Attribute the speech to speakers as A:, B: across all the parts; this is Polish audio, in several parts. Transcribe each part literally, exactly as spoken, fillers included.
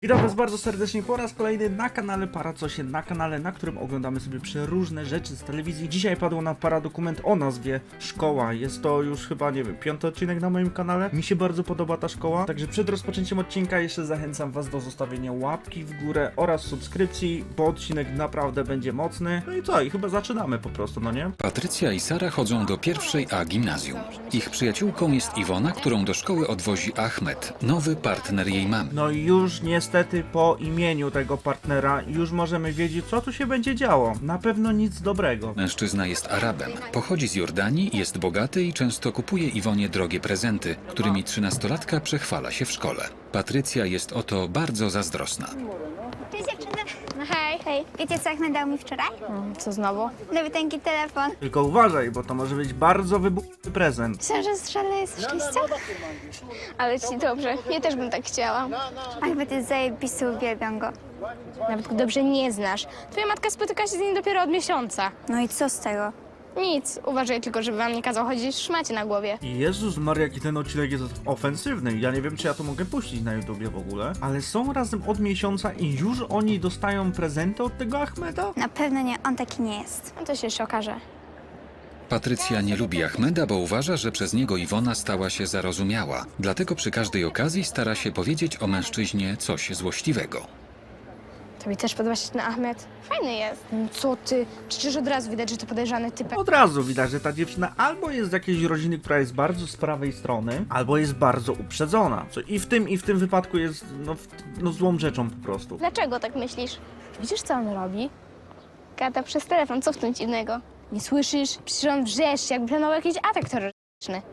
A: Witam was bardzo serdecznie po raz kolejny na kanale Paracosie, na kanale, na którym oglądamy sobie przeróżne rzeczy z telewizji. Dzisiaj padło nam paradokument o nazwie Szkoła. Jest to już chyba, nie wiem, piąty odcinek na moim kanale. Mi się bardzo podoba ta szkoła, także przed rozpoczęciem odcinka jeszcze zachęcam was do zostawienia łapki w górę oraz subskrypcji, bo odcinek naprawdę będzie mocny. No i co? I chyba zaczynamy po prostu, no nie?
B: Patrycja i Sara chodzą do pierwszej A gimnazjum. Ich przyjaciółką jest Iwona, którą do szkoły odwozi Ahmed, nowy partner jej mamy.
A: No i już niestety po imieniu tego partnera już możemy wiedzieć, co tu się będzie działo. Na pewno nic dobrego.
B: Mężczyzna jest Arabem, pochodzi z Jordanii, jest bogaty i często kupuje Iwonie drogie prezenty, którymi trzynastolatka przechwala się w szkole. Patrycja jest o to bardzo zazdrosna.
C: Cześć dziewczyny. No hej. Hej. Wiecie co Ahmed dał mi wczoraj?
D: Co znowu?
C: Nowy tanki telefon.
A: Tylko uważaj, bo to może być bardzo wybuchowy prezent.
C: Myślę, że strzelę jest szczęścia.
D: Ale ci dobrze. Ja też bym tak chciała.
C: Ahmed jest zajebisty, uwielbiam go.
D: Nawet go dobrze nie znasz. Twoja matka spotyka się z nim dopiero od miesiąca.
C: No i co z tego?
D: Nic. Uważaj tylko, żeby wam nie kazał chodzić w szmacie na głowie.
A: Jezus Maria, jaki ten odcinek jest ofensywny. Ja nie wiem, czy ja to mogę puścić na YouTubie w ogóle. Ale są razem od miesiąca i już oni dostają prezenty od tego Ahmeda?
C: Na pewno nie, on taki nie jest.
D: No to się jeszcze okaże.
B: Patrycja nie lubi Ahmeda, bo uważa, że przez niego Iwona stała się zarozumiała. Dlatego przy każdej okazji stara się powiedzieć o mężczyźnie coś złośliwego.
D: Tobie też podoba się ten Ahmed? Fajny jest. No co ty? Przecież od razu widać, że to podejrzany typek.
A: Od razu widać, że ta dziewczyna albo jest z jakiejś rodziny, która jest bardzo z prawej strony, albo jest bardzo uprzedzona. Co i w tym, i w tym wypadku jest no, w- no złą rzeczą po prostu.
D: Dlaczego tak myślisz? Widzisz, co on robi? Gada przez telefon. Co w tym dziwnego? Nie słyszysz? Przecież on wrzeszczy, jakby planował jakiś atak terrorystyczny.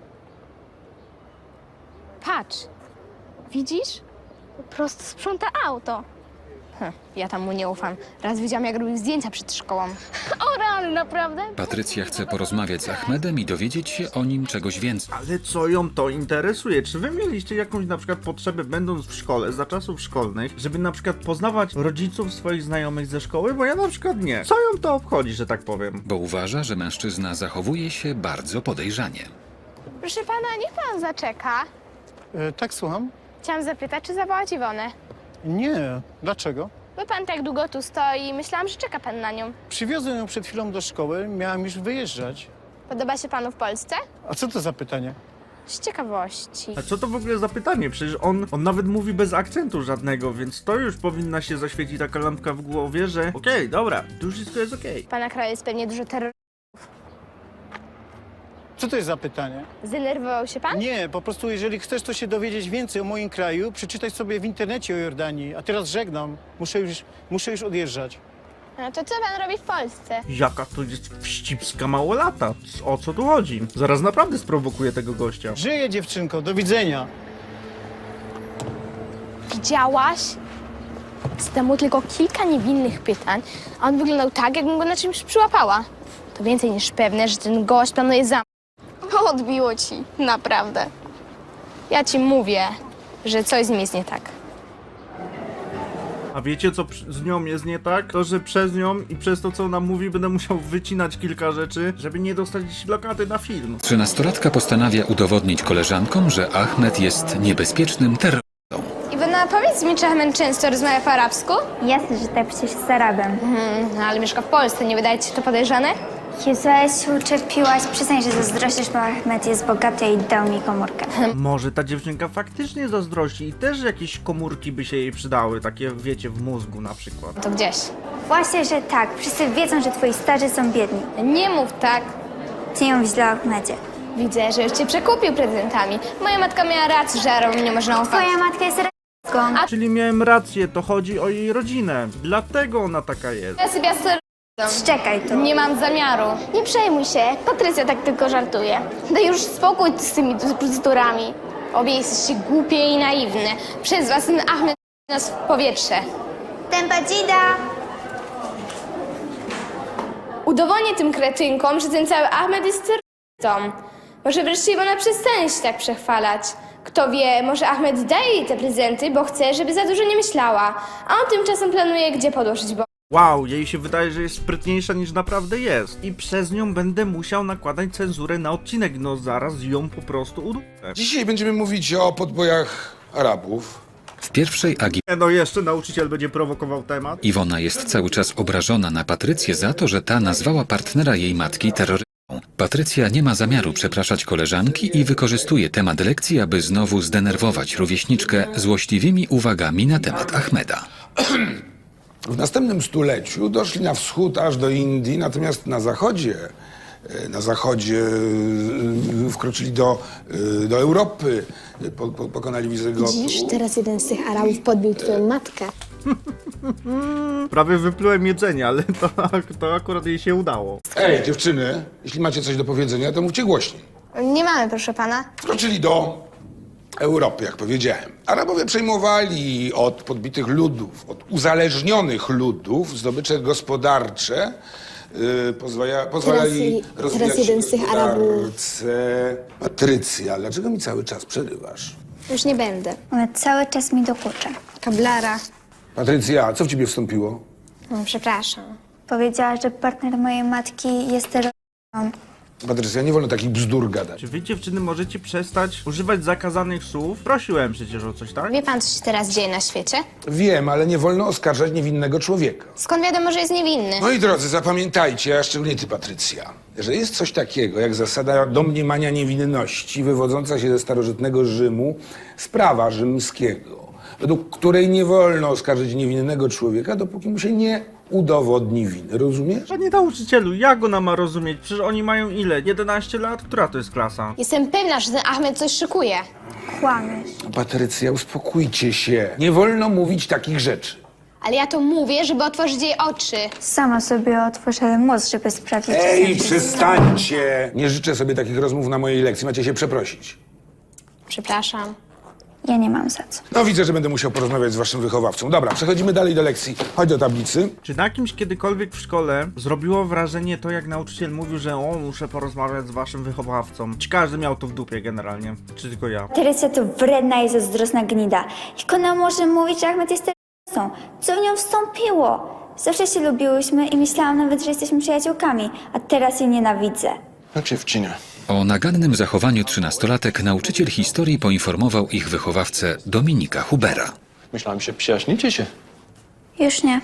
D: Patrz. Widzisz? Po prostu sprząta auto. Hm, ja tam mu nie ufam. Raz widziałam, jak robił zdjęcia przed szkołą. O, rany, naprawdę?
B: Patrycja chce porozmawiać z Ahmedem i dowiedzieć się o nim czegoś więcej.
A: Ale co ją to interesuje? Czy wy mieliście jakąś na przykład potrzebę, będąc w szkole, za czasów szkolnych, żeby na przykład poznawać rodziców swoich znajomych ze szkoły? Bo ja na przykład nie. Co ją to obchodzi, że tak powiem?
B: Bo uważa, że mężczyzna zachowuje się bardzo podejrzanie.
D: Proszę pana, niech pan zaczeka.
E: E, tak, słucham?
D: Chciałam zapytać, czy zawołać Iwonę.
E: Nie. Dlaczego?
D: Bo pan tak długo tu stoi i myślałam, że czeka pan na nią.
E: Przywiozłem ją przed chwilą do szkoły, miałam już wyjeżdżać.
D: Podoba się panu w Polsce?
E: A co to za pytanie?
D: Z ciekawości.
A: A co to w ogóle za pytanie? Przecież on, on nawet mówi bez akcentu żadnego, więc to już powinna się zaświecić taka lampka w głowie, że okej, dobra, tu już wszystko jest okej.
D: W pana kraju jest pewnie dużo terroru.
E: Co to jest za pytanie?
D: Zdenerwował się pan?
E: Nie, po prostu jeżeli chcesz to się dowiedzieć więcej o moim kraju, przeczytaj sobie w internecie o Jordanii. A teraz żegnam. Muszę już, muszę już odjeżdżać.
D: No to co pan robi w Polsce?
A: Jaka to jest wścibska małolata? O co tu chodzi? Zaraz naprawdę sprowokuję tego gościa.
E: Żyję, dziewczynko. Do widzenia.
D: Widziałaś? Zadam mu tylko kilka niewinnych pytań, a on wyglądał tak, jakbym go na czymś przyłapała. To więcej niż pewne, że ten gość planuje za... Odbiło ci, naprawdę. Ja ci mówię, że coś z nim jest nie tak.
A: A wiecie co przy- z nią jest nie tak? To, że przez nią i przez to co ona mówi będę musiał wycinać kilka rzeczy, żeby nie dostać lokaty na film.
B: Trzynastolatka postanawia udowodnić koleżankom, że Ahmed jest niebezpiecznym terrorystą.
D: Iwona, powiedz mi, czy Ahmed często rozmawia po arabsku?
C: Jasne, że tak, przecież z Arabem.
D: Hmm, ale mieszka w Polsce, nie wydaje ci się to podejrzane?
C: Jezu, ale się uczepiłaś. Przyznaj, że zazdrościsz, bo Ahmed jest bogaty i dał mi komórkę.
A: Może ta dziewczynka faktycznie zazdrości i też jakieś komórki by się jej przydały, takie wiecie, w mózgu na przykład.
D: To gdzieś.
C: Właśnie, że tak. Wszyscy wiedzą, że twoi starzy są biedni.
D: Nie mów tak.
C: Ty ją źle o Ahmedzie.
D: Widzę, że już cię przekupił prezentami. Moja matka miała rację, że Arabom nie można ufać.
C: Twoja matka jest rasistką.
A: Czyli miałem rację, to chodzi o jej rodzinę. Dlatego ona taka jest.
D: Ja sobie z
C: Szczekaj tu.
D: Nie mam zamiaru. Nie przejmuj się, Patrycja tak tylko żartuje. Daj już spokój z tymi bzdurami. Obie jesteście głupie i naiwne. Przez was ten Ahmed nas w powietrze.
C: Tempadzida!
D: Udowodnię tym kretynkom, że ten cały Ahmed jest terrorystą. Może wreszcie Iwona przestanie się tak przechwalać. Kto wie, może Ahmed daje jej te prezenty, bo chce, żeby za dużo nie myślała. A on tymczasem planuje, gdzie podłożyć bo.
A: Wow, jej się wydaje, że jest sprytniejsza niż naprawdę jest. I przez nią będę musiał nakładać cenzurę na odcinek, no zaraz ją po prostu uduszę.
F: Dzisiaj będziemy mówić o podbojach Arabów.
B: W pierwszej Agi
A: No jeszcze nauczyciel będzie prowokował temat.
B: Iwona jest cały czas obrażona na Patrycję za to, że ta nazwała partnera jej matki terrorystą. Patrycja nie ma zamiaru przepraszać koleżanki i wykorzystuje temat lekcji, aby znowu zdenerwować rówieśniczkę złośliwymi uwagami na temat Ahmeda.
F: W następnym stuleciu doszli na wschód aż do Indii, natomiast na zachodzie, e, na zachodzie e, wkroczyli do, e, do Europy, e, po, po, pokonali Wizygotów.
D: Dziś teraz jeden z tych Arabów podbił twoją matkę.
A: Prawie wyplułem jedzenie, ale to, to akurat jej się udało.
F: Ej, dziewczyny, jeśli macie coś do powiedzenia, to mówcie głośniej.
D: Nie mamy, proszę pana.
F: Wkroczyli do Europy, jak powiedziałem. Arabowie przejmowali od podbitych ludów, od uzależnionych ludów zdobycze gospodarcze, yy, pozwala, pozwalali
D: Teraz-
F: rozwijać
D: teraz jeden z tych Arabów-
F: gospodarce. Patrycja, dlaczego mi cały czas przerywasz?
D: Już nie będę.
C: Ona cały czas mi dokucza.
D: Kablara.
F: Patrycja, co w ciebie wstąpiło?
D: No, przepraszam.
C: Powiedziała, że partner mojej matki jest terrorystą.
F: Patrycja, nie wolno takich bzdur gadać.
A: Czy wy dziewczyny możecie przestać używać zakazanych słów? Prosiłem przecież o coś, tak?
D: Wie pan, co się teraz dzieje na świecie?
F: Wiem, ale nie wolno oskarżać niewinnego człowieka.
D: Skąd wiadomo, że jest niewinny?
F: Moi drodzy, zapamiętajcie, a szczególnie ty, Patrycja, że jest coś takiego jak zasada domniemania niewinności wywodząca się ze starożytnego Rzymu z prawa rzymskiego, według której nie wolno oskarżyć niewinnego człowieka, dopóki mu się nie udowodni winy. Rozumiesz?
A: Panie nauczycielu, jak ona ma rozumieć? Przecież oni mają ile? jedenaście lat? Która to jest klasa?
D: Jestem pewna, że ten Ahmed coś szykuje.
C: Kłamiesz.
F: Patrycja, uspokójcie się. Nie wolno mówić takich rzeczy.
D: Ale ja to mówię, żeby otworzyć jej oczy.
C: Sama sobie otworzę mózg, żeby sprawdzić, czy
F: Ej,
C: jestem-
F: przestańcie! Nie życzę sobie takich rozmów na mojej lekcji. Macie się przeprosić.
D: Przepraszam.
C: Ja nie mam za co.
F: No widzę, że będę musiał porozmawiać z waszym wychowawcą. Dobra, przechodzimy dalej do lekcji. Chodź do tablicy.
A: Czy na kimś kiedykolwiek w szkole zrobiło wrażenie to, jak nauczyciel mówił, że o, muszę porozmawiać z waszym wychowawcą? Czy każdy miał to w dupie generalnie? Czy tylko ja?
C: Teresia to wredna i zazdrosna gnida. Jak ona może mówić, że Ahmed jest terrorystą? Co w nią wstąpiło? Zawsze się lubiłyśmy i myślałam nawet, że jesteśmy przyjaciółkami, a teraz jej nienawidzę.
G: No dziewczyna.
B: O nagannym zachowaniu trzynastolatek nauczyciel historii poinformował ich wychowawcę Dominika Hubera.
G: Myślałem, że przyjaźnicie się.
C: Już nie.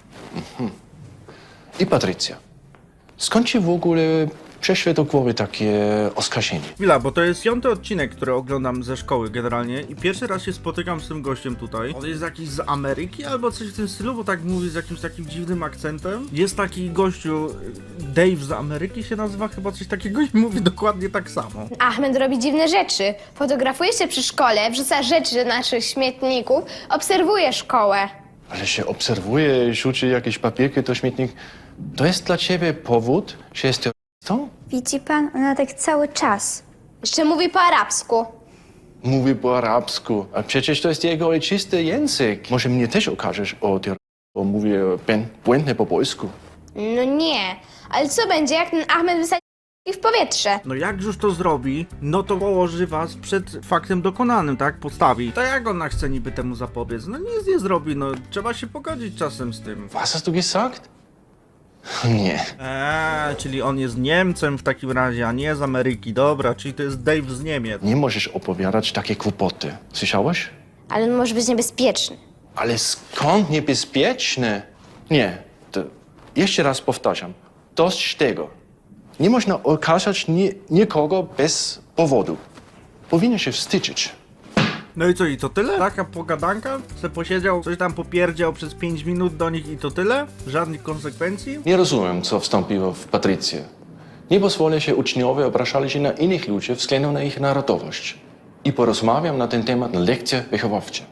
G: I Patrycja. Skąd ci w ogóle przeszły do głowy takie oskarżenie?
A: Chwila, bo to jest piąty odcinek, który oglądam ze szkoły generalnie i pierwszy raz się spotykam z tym gościem tutaj. On jest jakiś z Ameryki albo coś w tym stylu, bo tak mówi z jakimś takim dziwnym akcentem. Jest taki gościu, Dave z Ameryki się nazywa, chyba coś takiego i mówi dokładnie tak samo.
D: Ahmed robi dziwne rzeczy. Fotografuje się przy szkole, wrzuca rzeczy do naszych śmietników, obserwuje szkołę.
G: Ale się obserwuje, rzuci jakieś papierki do śmietnik. To jest dla ciebie powód, że jest terrorystą?
C: Widzi pan? Ona tak cały czas.
D: Jeszcze mówi po arabsku.
G: Mówi po arabsku, a przecież to jest jego ojczysty język. Może mnie też okażesz o terroryzmie, bo mówię ben- błędnie po polsku.
D: No nie. Ale co będzie, jak ten Ahmed wysadzi ich w powietrze?
A: No jak już to zrobi, no to położy was przed faktem dokonanym, tak? Postawi. To jak ona chce niby temu zapobiec? No nic nie zrobi, no trzeba się pogodzić czasem z tym.
G: Was hast du gesagt? Nie.
A: Eee, czyli on jest Niemcem w takim razie, a nie z Ameryki. Dobra, czyli to jest Dave z Niemiec.
G: Nie możesz opowiadać takie kłopoty. Słyszałeś?
D: Ale on może być niebezpieczny.
G: Ale skąd niebezpieczne? Nie, to jeszcze raz powtarzam. Dość tego. Nie można okazać ni- nikogo bez powodu. Powinien się wstydzić.
A: No i co, i to tyle? Taka pogadanka? Se posiedział, coś tam popierdział przez pięć minut do nich i to tyle? Żadnych konsekwencji?
G: Nie rozumiem, co wstąpiło w Patrycję. Nie pozwolę się uczniowie obrażali się na innych ludzi względem na ich narodowość. I porozmawiam na ten temat na lekcjach wychowawczych.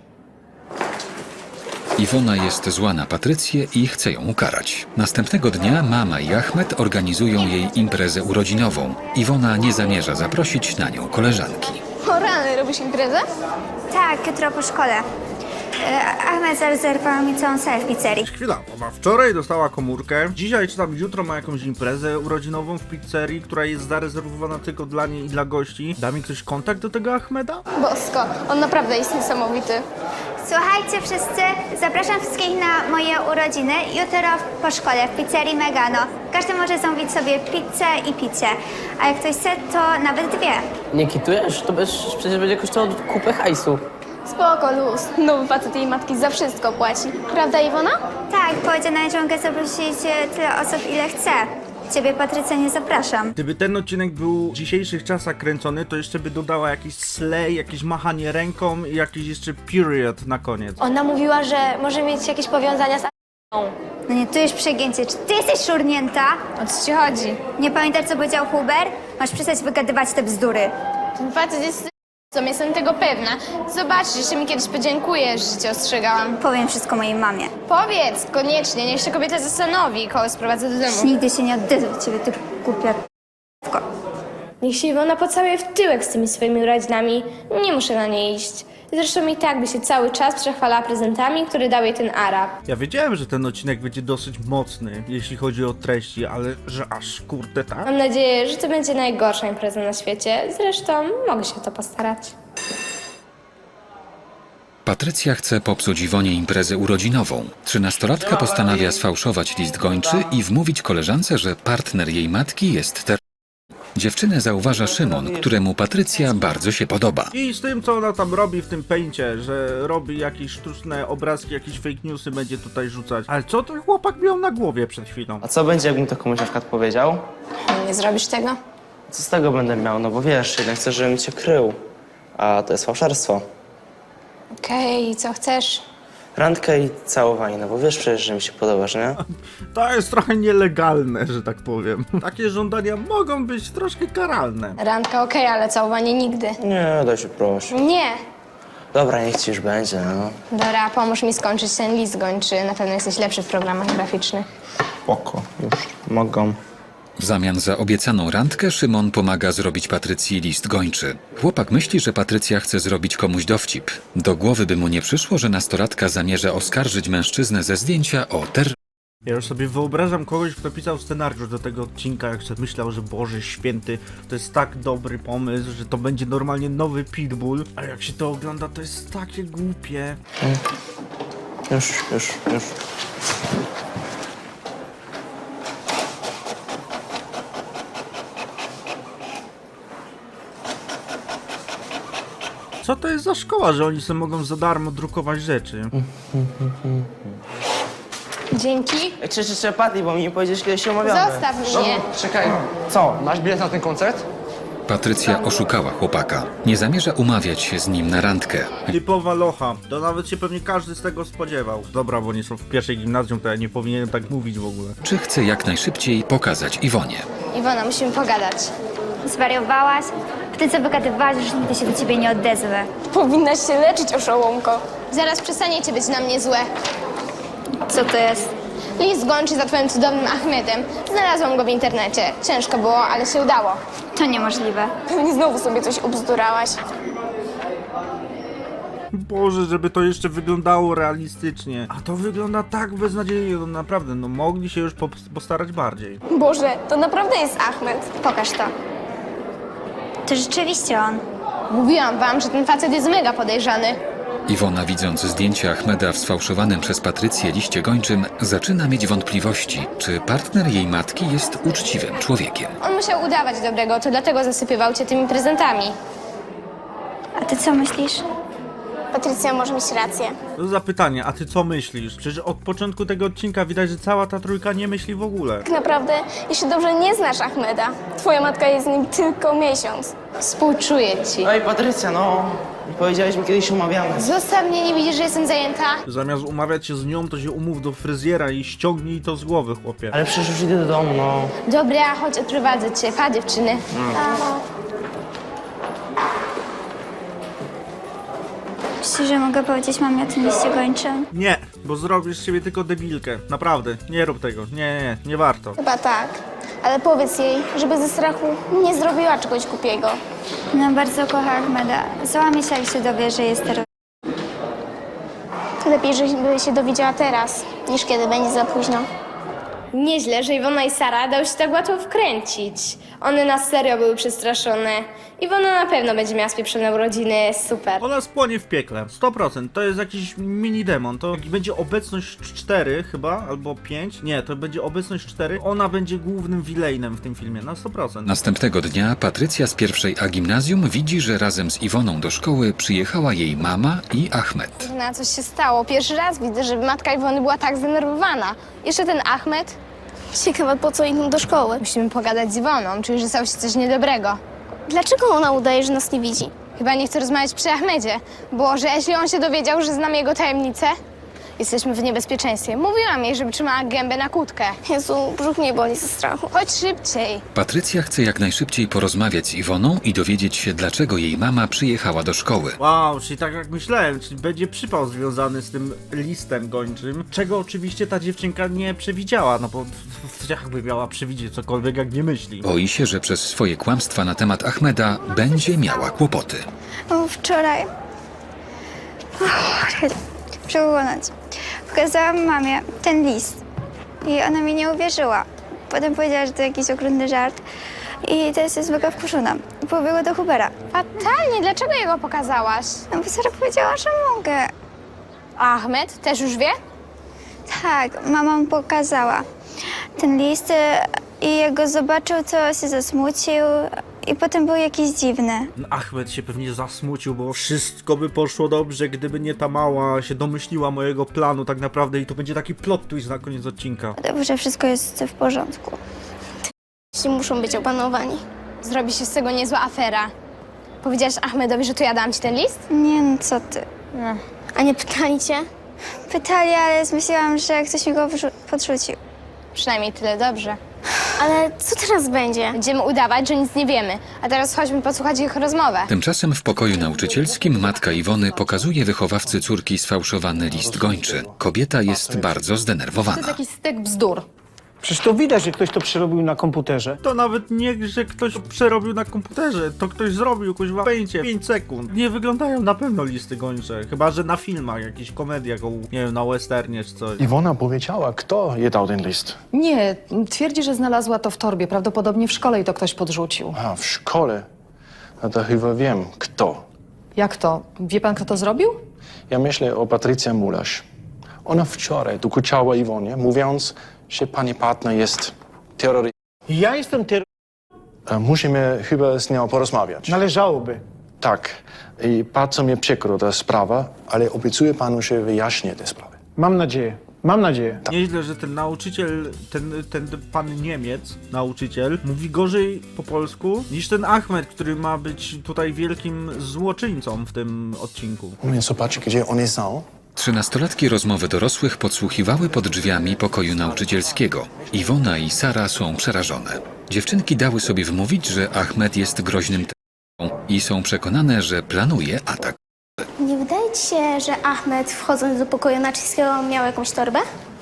B: Iwona jest zła na Patrycję i chce ją ukarać. Następnego dnia mama i Ahmed organizują jej imprezę urodzinową. Iwona nie zamierza zaprosić na nią koleżanki.
D: O rany, robisz imprezę?
C: Tak, jutro po szkole. E, Ahmed zarezerwował mi całą salę w pizzerii.
A: Chwila, ona wczoraj dostała komórkę, dzisiaj czy tam jutro ma jakąś imprezę urodzinową w pizzerii, która jest zarezerwowana tylko dla niej i dla gości. Da mi ktoś kontakt do tego Ahmeda?
D: Bosko, on naprawdę jest niesamowity.
C: Słuchajcie wszyscy, zapraszam wszystkich na moje urodziny jutro po szkole w pizzerii Megano. Każdy może zamówić sobie pizzę i picie, a jak ktoś chce, to nawet dwie.
H: Nie kitujesz? To bez, przecież będzie kosztowało kupę hajsu.
D: Spoko, luz. Nowy facet jej matki za wszystko płaci. Prawda, Iwona?
C: Tak, powiedziała, że mogę zaprosić e, tyle osób, ile chcę. Ciebie, Patrycja, nie zapraszam.
A: Gdyby ten odcinek był w dzisiejszych czasach kręcony, to jeszcze by dodała jakiś slay, jakieś machanie ręką i jakiś jeszcze period na koniec.
D: Ona mówiła, że może mieć jakieś powiązania z a**ą.
C: No nie, tu już przegięcie. Czy ty jesteś szurnięta?
D: O co ci chodzi?
C: Nie pamiętasz, co powiedział Huber? Masz przestać wygadywać te bzdury.
D: Ten facet jest s***ą, jestem tego pewna. Zobaczysz, jeszcze mi kiedyś podziękujesz, że cię ostrzegałam.
C: Powiem wszystko mojej mamie.
D: Powiedz, koniecznie, niech się kobieta zastanowi, kogo sprowadzę do domu.
C: Nigdy się nie odezwę do ciebie, ty głupia p***ko.
H: Niech się Iwona pocałuje w tyłek z tymi swoimi urodzinami. Nie muszę na nie iść. Zresztą i tak by się cały czas przechwalała prezentami, które dał jej ten Arab.
A: Ja wiedziałem, że ten odcinek będzie dosyć mocny, jeśli chodzi o treści, ale że aż kurde tak?
H: Mam nadzieję, że to będzie najgorsza impreza na świecie. Zresztą mogę się o to postarać.
B: Patrycja chce popsuć Iwonie imprezę urodzinową. Trzynastolatka postanawia sfałszować list gończy i wmówić koleżance, że partner jej matki jest ter... Dziewczynę zauważa Szymon, któremu Patrycja bardzo się podoba.
A: I z tym, co ona tam robi w tym pęcie, że robi jakieś sztuczne obrazki, jakieś fake newsy będzie tutaj rzucać. Ale co ten chłopak miał na głowie przed chwilą?
I: A co będzie, jakbym to komuś na przykład powiedział?
D: Nie zrobisz tego?
I: Co z tego będę miał? No bo wiesz, jednak chcę, żebym cię krył. A to jest fałszerstwo.
D: Okej, okay, co chcesz?
I: Randkę i całowanie, no bo wiesz przecież, że mi się podobasz, nie?
A: To jest trochę nielegalne, że tak powiem. Takie żądania mogą być troszkę karalne.
D: Randka okej, ale całowanie nigdy.
I: Nie, daj się proszę.
D: Nie.
I: Dobra, niech ci już będzie, no.
D: Dora, pomóż mi skończyć ten list gończy. Na pewno jesteś lepszy w programach graficznych.
I: Spoko, już mogą.
B: W zamian za obiecaną randkę Szymon pomaga zrobić Patrycji list gończy. Chłopak myśli, że Patrycja chce zrobić komuś dowcip. Do głowy by mu nie przyszło, że nastolatka zamierza oskarżyć mężczyznę ze zdjęcia o ter...
A: Ja już sobie wyobrażam kogoś, kto pisał scenariusz do tego odcinka, jak sobie myślał, że Boże Święty, to jest tak dobry pomysł, że to będzie normalnie nowy Pitbull, a jak się to ogląda, to jest takie głupie.
I: Już, już, już.
A: Co to jest za szkoła, że oni sobie mogą za darmo drukować rzeczy?
D: Dzięki.
I: Ej, czy, czy, czy, Patty, bo mi nie powiedziesz, kiedy się umawiamy.
D: Zostaw mnie.
G: Czekaj, co, masz bilet na ten koncert?
B: Patrycja oszukała chłopaka. Nie zamierza umawiać się z nim na randkę.
A: Typowa locha, to nawet się pewnie każdy z tego spodziewał. Dobra, bo nie są w pierwszej gimnazjum, to ja nie powinienem tak mówić w ogóle.
B: Czy chce jak najszybciej pokazać Iwonie?
D: Iwona, musimy pogadać.
C: Zwariowałaś? Ty co wygadywałaś, że nigdy się do ciebie nie odezwę.
D: Powinnaś się leczyć, oszołomko. Zaraz przestaniecie być na mnie złe.
C: Co to jest?
D: List gończy za twoim cudownym Ahmedem. Znalazłam go w internecie. Ciężko było, ale się udało.
C: To niemożliwe.
D: Pewnie znowu sobie coś ubzdurałaś.
A: Boże, żeby to jeszcze wyglądało realistycznie. A to wygląda tak beznadziejnie, no naprawdę, no mogli się już po- postarać bardziej.
D: Boże, to naprawdę jest Ahmed.
C: Pokaż to. To rzeczywiście on.
D: Mówiłam wam, że ten facet jest mega podejrzany.
B: Iwona, widząc zdjęcie Ahmeda w sfałszowanym przez Patrycję liście gończym, zaczyna mieć wątpliwości, czy partner jej matki jest uczciwym człowiekiem.
D: On musiał udawać dobrego, to dlatego zasypywał cię tymi prezentami.
C: A ty co myślisz?
D: Patrycja może mieć rację.
A: To za pytanie, a ty co myślisz? Przecież od początku tego odcinka widać, że cała ta trójka nie myśli w ogóle.
D: Tak naprawdę, jeśli dobrze nie znasz Ahmeda, twoja matka jest z nim tylko miesiąc. Współczuję ci.
I: Ej, Patrycja, no. Nie powiedziałeś mi, kiedy się umawiamy.
D: Zostaw mnie, nie widzisz, że jestem zajęta?
A: Zamiast umawiać się z nią, to się umów do fryzjera i ściągnij to z głowy, chłopie.
I: Ale przecież już idę do domu, no.
D: Dobra, chodź, odprowadzę cię. Pa, dziewczyny.
C: Myślisz, że mogę powiedzieć mamie o tym liście gończym?
A: Nie, bo zrobisz z siebie tylko debilkę. Naprawdę, nie rób tego. Nie, nie, nie warto.
D: Chyba tak. Ale powiedz jej, żeby ze strachu nie zrobiła czegoś głupiego.
C: No, bardzo kocha Ahmeda. Załamie się, jak się dowie, że jest terrorystą.
D: Lepiej, żeby się dowiedziała teraz, niż kiedy będzie za późno.
H: Nieźle, że Iwona i Sara dały się tak łatwo wkręcić. One na serio były przestraszone. Iwona na pewno będzie miała spieprzone urodziny, super.
A: Ona spłonie w piekle, sto procent. To jest jakiś mini demon. To jak będzie obecność cztery chyba, albo pięć. Nie, to będzie obecność cztery. Ona będzie głównym wilejnem w tym filmie, na sto procent.
B: Następnego dnia Patrycja z pierwszej A gimnazjum widzi, że razem z Iwoną do szkoły przyjechała jej mama i Ahmed.
D: Na coś się stało. Pierwszy raz widzę, żeby matka Iwony była tak zdenerwowana. Jeszcze ten Ahmed.
J: Ciekawe, po co idą do szkoły.
D: Musimy pogadać z Iwoną. Czuję, że stało się coś niedobrego.
J: Dlaczego ona udaje, że nas nie widzi?
D: Chyba nie chce rozmawiać przy Ahmedzie. Bo że jeśli on się dowiedział, że znamy jego tajemnicę, jesteśmy w niebezpieczeństwie. Mówiłam jej, żeby trzymała gębę na kłódkę.
J: Jezu, brzuch mnie boli ze strachu.
D: Chodź szybciej.
B: Patrycja chce jak najszybciej porozmawiać z Iwoną i dowiedzieć się, dlaczego jej mama przyjechała do szkoły.
A: Wow, czyli tak jak myślałem, czyli będzie przypał związany z tym listem gończym, czego oczywiście ta dziewczynka nie przewidziała, no bo jakby miała przewidzieć cokolwiek, jak nie myśli.
B: Boi się, że przez swoje kłamstwa na temat Ahmeda będzie miała kłopoty.
C: O, wczoraj. Przełonąć. Pokazałam mamie ten list i ona mi nie uwierzyła. Potem powiedziała, że to jakiś okrutny żart i teraz jest mega wkurzona. Pobiegła do Hubera.
D: Fatalnie, dlaczego jego pokazałaś?
C: No bo Sara powiedziała, że mogę.
D: Ahmed też już wie?
C: Tak, mama mu pokazała ten list y, i jak go zobaczył, to się zasmucił i potem był jakiś dziwny.
A: Ahmed się pewnie zasmucił, bo wszystko by poszło dobrze, gdyby nie ta mała się domyśliła mojego planu tak naprawdę i to będzie taki plot twist na koniec odcinka.
C: Dobrze, wszystko jest w porządku.
J: Ci muszą być opanowani.
D: Zrobi się z tego niezła afera. Powiedziałaś Ahmedowi, że to ja dałam ci ten list?
C: Nie no, co ty.
D: No.
J: A nie pytali cię?
C: Pytali, ale zmyśliłam, że ktoś mi go wrzu- podrzucił.
D: Przynajmniej tyle dobrze.
J: Ale co teraz będzie?
D: Będziemy udawać, że nic nie wiemy. A teraz chodźmy posłuchać ich rozmowę.
B: Tymczasem w pokoju nauczycielskim matka Iwony pokazuje wychowawcy córki sfałszowany list gończy. Kobieta jest bardzo zdenerwowana.
K: Jakiś stek bzdur.
E: Przecież to widać, że ktoś to przerobił na komputerze.
A: To nawet nie, że ktoś przerobił na komputerze, to ktoś zrobił kuźwa pęcie pięć sekund. Nie wyglądają na pewno listy gończe, chyba że na filmach, jakichś komediach, o, nie wiem, na westernie czy coś.
G: Iwona powiedziała, kto jej dał ten list.
K: Nie, twierdzi, że znalazła to w torbie. Prawdopodobnie w szkole i to ktoś podrzucił.
G: A, w szkole. No to chyba wiem, kto.
K: Jak to? Wie pan, kto to zrobił?
G: Ja myślę o Patrycja Mulasz. Ona wczoraj dokuczała Iwonie, mówiąc, że pani partner jest terrorystą.
E: Ja jestem ter...
G: Musimy chyba z nią porozmawiać.
E: Należałoby.
G: Tak. I bardzo mnie przykro ta sprawa, ale obiecuję panu, że wyjaśnię tę sprawę.
E: Mam nadzieję. Mam nadzieję.
A: Nieźle, że ten nauczyciel, ten, ten pan Niemiec, nauczyciel, mówi gorzej po polsku niż ten Ahmed, który ma być tutaj wielkim złoczyńcą w tym odcinku.
G: Umiem zobaczyć, gdzie one są?
B: Trzynastolatki rozmowy dorosłych podsłuchiwały pod drzwiami pokoju nauczycielskiego. Iwona i Sara są przerażone. Dziewczynki dały sobie wmówić, że Ahmed jest groźnym terrorystą i są przekonane, że planuje atak.
J: Nie wydaje ci się, że Ahmed, wchodząc do pokoju Naczyńskiego, miał jakąś torbę?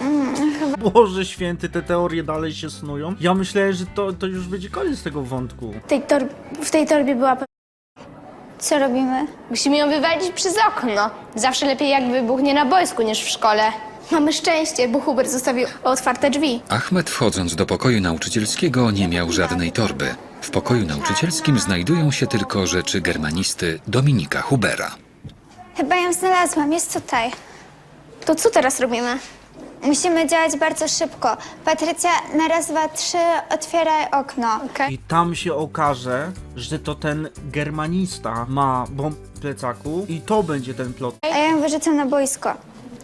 A: Boże święty, te teorie dalej się snują. Ja myślałem, że to, to już będzie koniec tego wątku.
J: W tej, tor- w tej torbie była...
C: Co robimy?
D: Musimy ją wywalić przez okno. Zawsze lepiej jak wybuchnie na boisku niż w szkole.
J: Mamy szczęście, bo Hubert zostawił otwarte drzwi.
B: Ahmed, wchodząc do pokoju nauczycielskiego, nie miał żadnej torby. W pokoju nauczycielskim znajdują się tylko rzeczy germanisty Dominika Hubera.
C: Chyba ją znalazłam, jest tutaj.
J: To co teraz robimy?
C: Musimy działać bardzo szybko. Patrycja, na raz, dwa, trzy, otwieraj okno.
A: I tam się okaże, że to ten germanista ma bomb w plecaku i to będzie ten plot.
C: A ja ją wyrzucam na boisko.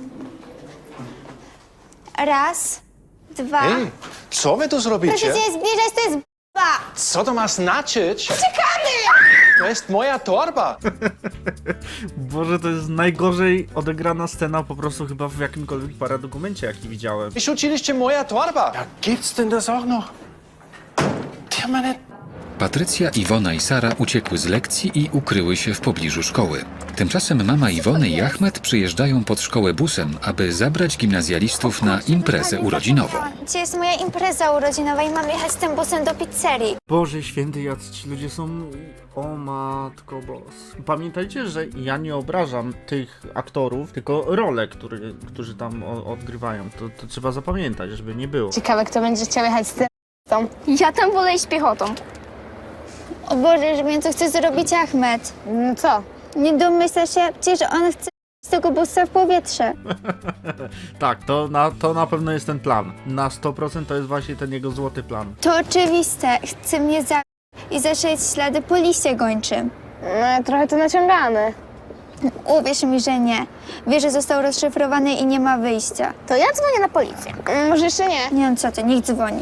C: Raz, dwa...
G: Ej, co wy tu
C: Proszę
G: zrobicie?
C: cię nie zbliżać, to jest b***a!
G: Co to ma znaczyć? Czekamy! To jest moja torba!
A: Boże, to jest najgorzej odegrana scena po prostu chyba w jakimkolwiek paradokumencie, jaki widziałem.
G: Wyrzuciliście moja torba! Ja, gibt's denn das auch noch? Der meine...
B: Patrycja, Iwona i Sara uciekły z lekcji i ukryły się w pobliżu szkoły. Tymczasem mama Iwony i Ahmed przyjeżdżają pod szkołę busem, aby zabrać gimnazjalistów na imprezę urodzinową.
C: Dzisiaj jest moja impreza urodzinowa i mam jechać z tym busem do pizzerii.
A: Boże święty, jacy ci ludzie są... O matko bos. Pamiętajcie, że ja nie obrażam tych aktorów, tylko role, które, którzy tam o, odgrywają. To, to trzeba zapamiętać, żeby nie było.
D: Ciekawe, kto będzie chciał jechać z tym.
J: Ja tam wolę iść piechotą.
C: O Boże, że wiem, co chce zrobić Ahmed.
D: No co?
C: Nie domyśla się, przecież on chce z tego busa w powietrze.
A: Tak, to na, to na pewno jest ten plan. Na sto procent to jest właśnie ten jego złoty plan.
C: To oczywiste. Chce mnie zabić i zaszeć ślady po liście gończym.
D: No, trochę to naciągane.
C: Uwierz mi, że nie. Wie, że został rozszyfrowany i nie ma wyjścia.
J: To ja dzwonię na policję.
D: Mm, Może jeszcze nie.
C: Nie wiem co ty, niech dzwoni.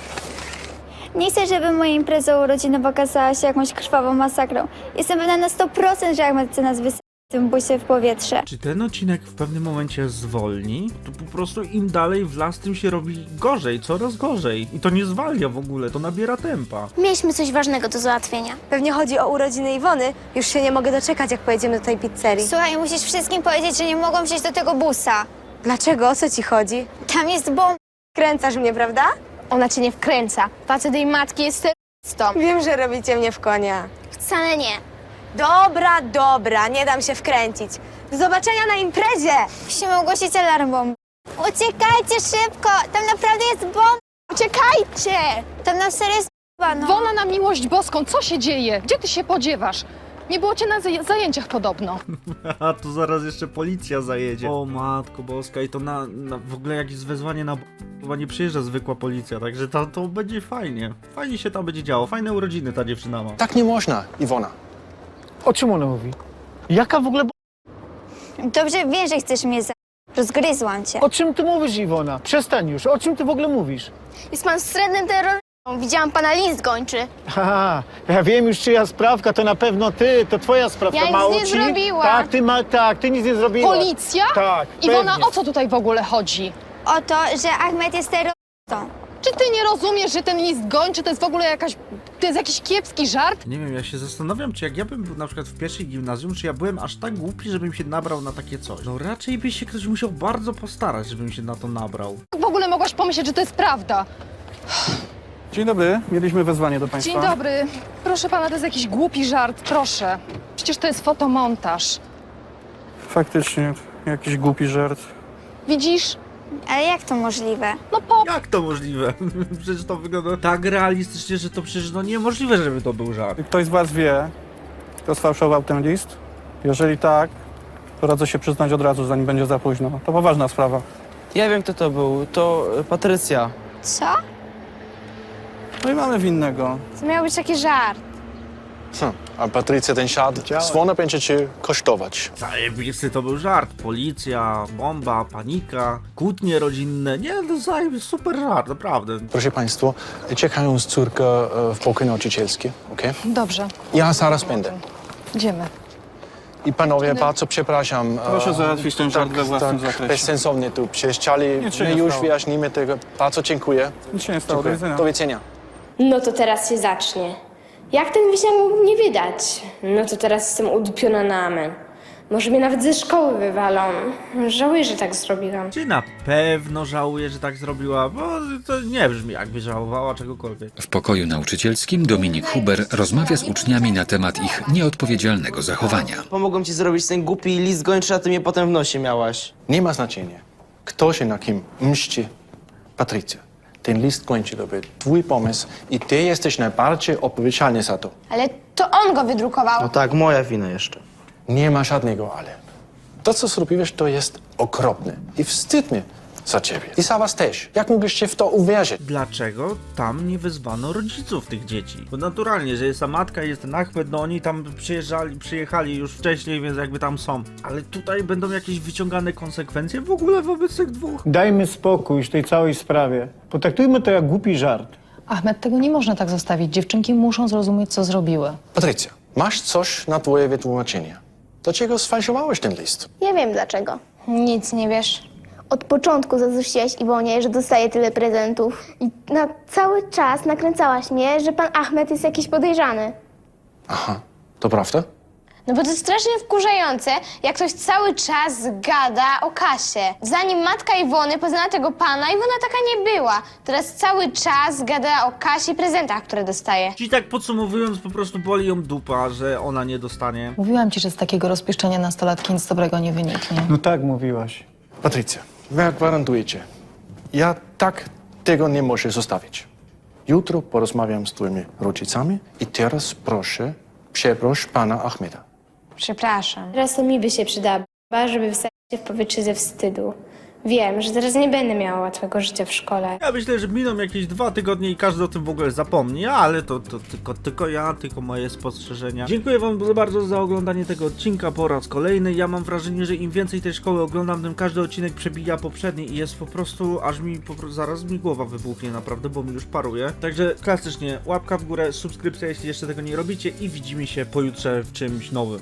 C: Nie chcę, żeby moja impreza urodzinowa okazała się jakąś krwawą masakrą. Jestem pewna na sto procent, że Ahmed chce nas wysadzić w tym busie w powietrze.
A: Czy ten odcinek w pewnym momencie zwolni? To po prostu im dalej w las, tym się robi gorzej, coraz gorzej. I to nie zwalnia w ogóle, to nabiera tempa.
J: Mieliśmy coś ważnego do załatwienia.
H: Pewnie chodzi o urodziny Iwony. Już się nie mogę doczekać, jak pojedziemy do tej pizzerii.
C: Słuchaj, musisz wszystkim powiedzieć, że nie mogą wsiąść do tego busa.
H: Dlaczego? O co ci chodzi?
C: Tam jest bomba.
H: Kręcasz mnie, prawda?
D: Ona cię nie wkręca. Facet jej matki jest terrorystą.
H: Wiem, że robicie mnie w konia.
J: Wcale nie.
H: Dobra, dobra, nie dam się wkręcić. Do zobaczenia na imprezie!
C: Musimy ogłosić alarm bomb. Uciekajcie szybko! Tam naprawdę jest bomba!
D: Uciekajcie!
C: Tam na serio jest bomba, no.
K: Wona na miłość boską, co się dzieje? Gdzie ty się podziewasz? Nie było cię na zaj- zajęciach podobno.
A: A tu zaraz jeszcze policja zajedzie. O matko boska, i to na, na w ogóle jakieś wezwanie na... Chyba nie przyjeżdża zwykła policja, także to, to będzie fajnie. Fajnie się tam będzie działo, fajne urodziny ta dziewczyna ma.
G: Tak nie można, Iwona.
E: O czym ona mówi? Jaka w ogóle... b-
C: Dobrze wiesz, że chcesz mnie za... Rozgryzłam cię.
E: O czym ty mówisz, Iwona? Przestań już, o czym ty w ogóle mówisz?
J: Jest pan wstrętnym terrorystą. Widziałam pana list gończy.
E: Haha, ja wiem już czyja sprawka, to na pewno ty, to twoja sprawka.
D: Ja nic
E: Mało
D: nie
E: ci?
D: zrobiłam.
E: Tak, ty ma, tak, ty nic nie zrobiłaś.
K: Policja?
E: Tak,
K: Iwona,
E: pewnie.
K: o co tutaj w ogóle chodzi?
C: O to, że Ahmed jest terrorystą.
K: Czy ty nie rozumiesz, że ten list gończy to jest w ogóle jakaś... To jest jakiś kiepski żart?
A: Nie wiem, ja się zastanawiam, czy jak ja bym był na przykład w pierwszej gimnazjum, czy ja byłem aż tak głupi, żebym się nabrał na takie coś. No raczej by się ktoś musiał bardzo postarać, żebym się na to nabrał.
K: Jak w ogóle mogłaś pomyśleć, że to jest prawda?
L: Dzień dobry, mieliśmy wezwanie do Państwa.
K: Dzień dobry. Proszę pana, to jest jakiś głupi żart, proszę. Przecież to jest fotomontaż.
L: Faktycznie, jakiś głupi żart.
K: Widzisz?
C: Ale jak to możliwe?
K: No po...
A: Jak to możliwe? Przecież to wygląda tak realistycznie, że to przecież no niemożliwe, żeby to był żart.
L: Ktoś z Was wie, kto sfałszował ten list? Jeżeli tak, to radzę się przyznać od razu, zanim będzie za późno. To poważna sprawa.
I: Ja wiem, kto to był. To e, Patrycja.
C: Co?
L: No i mamy winnego.
D: To miał być taki żart.
G: Hm. A Patrycja ten siad słona będzie cię kosztować.
A: Zajebisty to był żart. Policja, bomba, panika, kłótnie rodzinne. Nie, to zajebisty, super żart, naprawdę.
G: Proszę Państwa, czekają z córką e, w pokoju nauczycielskim, okej?
K: Dobrze,
G: Ja zaraz będę.
K: idziemy.
G: I panowie, bardzo przepraszam. e,
L: Proszę załatwić ten żart we własnym
G: tak,
L: zakresie.
G: bezsensownie tu przecież chcieli.
L: Nic się
G: My
L: nie
G: już
L: stało.
G: wyjaśnimy tego. Bardzo dziękuję.
L: Nic się nie stało, do
G: Dziękuję.
L: widzenia.
G: Do widzenia.
H: No to teraz się zacznie. Jak ten wisiak mógł mnie wydać? No to teraz jestem udupiona na amen. Może mnie nawet ze szkoły wywalą. Żałuję, że tak zrobiłam.
A: Czy na pewno żałuje, że tak zrobiła? Bo to nie brzmi jakby żałowała czegokolwiek.
B: W pokoju nauczycielskim Dominik Huber rozmawia z uczniami na temat ich nieodpowiedzialnego zachowania.
I: Pomogłem ci zrobić ten głupi list gończy, a ty mnie potem w nosie miałaś.
G: Nie ma znaczenia, kto się na kim mści. Patrycja, ten list kończy to był twój pomysł i ty jesteś najbardziej odpowiedzialny za to.
D: Ale to on go wydrukował.
I: No tak, moja wina jeszcze.
G: Nie ma żadnego ale. To, co zrobiłeś, to jest okropne i wstyd mnie za ciebie. I za was też. Jak mogliście w to uwierzyć?
A: Dlaczego tam nie wezwano rodziców tych dzieci? Bo naturalnie, że jest ta matka i jest ten Ahmed, no oni tam przyjeżdżali, przyjechali już wcześniej, więc jakby tam są. Ale tutaj będą jakieś wyciągane konsekwencje w ogóle wobec tych dwóch?
E: Dajmy spokój w tej całej sprawie. Potraktujmy to jak głupi żart.
K: Ahmed, tego nie można tak zostawić. Dziewczynki muszą zrozumieć, co zrobiły.
G: Patrycja, masz coś na twoje wytłumaczenie. Dlaczego sfałszowałeś ten list?
J: Ja wiem dlaczego.
D: Nic nie wiesz.
J: Od początku zazdrościłaś Iwonie, że dostaje tyle prezentów. I na cały czas nakręcałaś mnie, że pan Ahmed jest jakiś podejrzany.
G: Aha, to prawda?
D: No bo to jest strasznie wkurzające, jak ktoś cały czas gada o Kasie. Zanim matka Iwony poznała tego pana, Iwona taka nie była. Teraz cały czas gada o Kasi i prezentach, które dostaje.
A: Czyli tak podsumowując, po prostu boli ją dupa, że ona nie dostanie.
K: Mówiłam ci, że z takiego rozpieszczenia nastolatki nic dobrego nie wyniknie.
E: No tak mówiłaś.
G: Patrycja, wy gwarantujecie. Ja tak tego nie muszę zostawić. Jutro porozmawiam z twoimi rodzicami i teraz proszę, przeproś pana Ahmeda.
D: Przepraszam.
H: Teraz to mi by się przydała, żeby wysadzić się w powietrze ze wstydu. Wiem, że teraz nie będę miała łatwego życia w szkole.
A: Ja myślę, że miną jakieś dwa tygodnie i każdy o tym w ogóle zapomni, ale to, to tylko, tylko ja, tylko moje spostrzeżenia. Dziękuję wam bardzo za oglądanie tego odcinka po raz kolejny. Ja mam wrażenie, że im więcej tej szkoły oglądam, tym każdy odcinek przebija poprzedni i jest po prostu, aż mi po prostu, zaraz mi głowa wybuchnie naprawdę, bo mi już paruje. Także klasycznie łapka w górę, subskrypcja, jeśli jeszcze tego nie robicie i widzimy się pojutrze w czymś nowym.